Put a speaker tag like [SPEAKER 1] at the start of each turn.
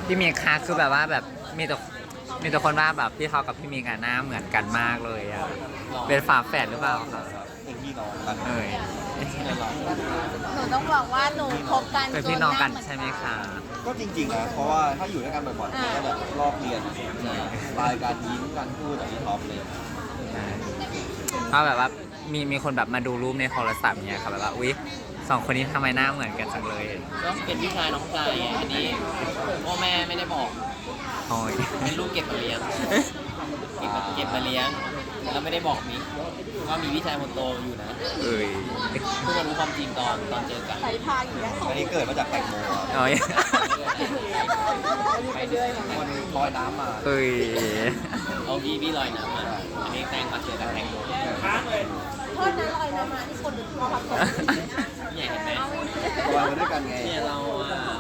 [SPEAKER 1] พี่มีค่ะคือแบบว่าแบบมีแต่คนว่าแบบพี่เขากับพี่มีกันหน้าเหมือนกันมากเลยอ่ะเป็นฝาแฝดหรือเปล่าคะ
[SPEAKER 2] เป็นพี่น้องกัน
[SPEAKER 1] เอ้ย
[SPEAKER 3] หนูต้องบอกว่าหนูคบกัน
[SPEAKER 1] เป็นพี่น้องกันใช่ไหมคะ
[SPEAKER 2] ก็จริงๆนะเพราะว่าถ้าอยู่ด้วยกันบ่อยๆมันก็แบบรอบเรียนสไตล์การยิ้มการพูดแบบนี้ท็อปเลย
[SPEAKER 1] เพราะแบบว่ามีคนแบบมาดูรูปในโทรศัพท์เนี่ยค่ะแบบว่าอุ๊ยสองคนนี้ทำไมหน้าเหมือนกันจังเลย
[SPEAKER 4] ก็เป็นพี่ชายน้องชายไงอันนี้พ่อแม่ไม่ได้บอก
[SPEAKER 1] โอ้ย
[SPEAKER 4] เป็นลูกเก็บมาเลี้ยงเก็บมาเลี้ยงแล้วไม่ได้บอกมิกว่ามีพี่ชายคนโตอยู่นะ
[SPEAKER 1] เอ้ย
[SPEAKER 4] เพิ่งมารู้ความจริงตอนเจอกัน
[SPEAKER 3] ใส่พาอย่างเงี้ย
[SPEAKER 2] อันนี้เกิดมาจากแตงโมอะ
[SPEAKER 1] โอ้ย
[SPEAKER 4] ไปเรื่อย
[SPEAKER 2] คนลอยน้ำมา
[SPEAKER 1] เอ้ย
[SPEAKER 4] เอาพี่ลอยน้ำมาอันนี้แตงมาเจอกับแตงโม
[SPEAKER 3] โทษนะลอยน้ำมาที่คนหรือพ่อพักผ่อน
[SPEAKER 4] เนี่ยเห็นไหม
[SPEAKER 2] ลอยมาด้วยกันไง
[SPEAKER 4] เนี่ยเรา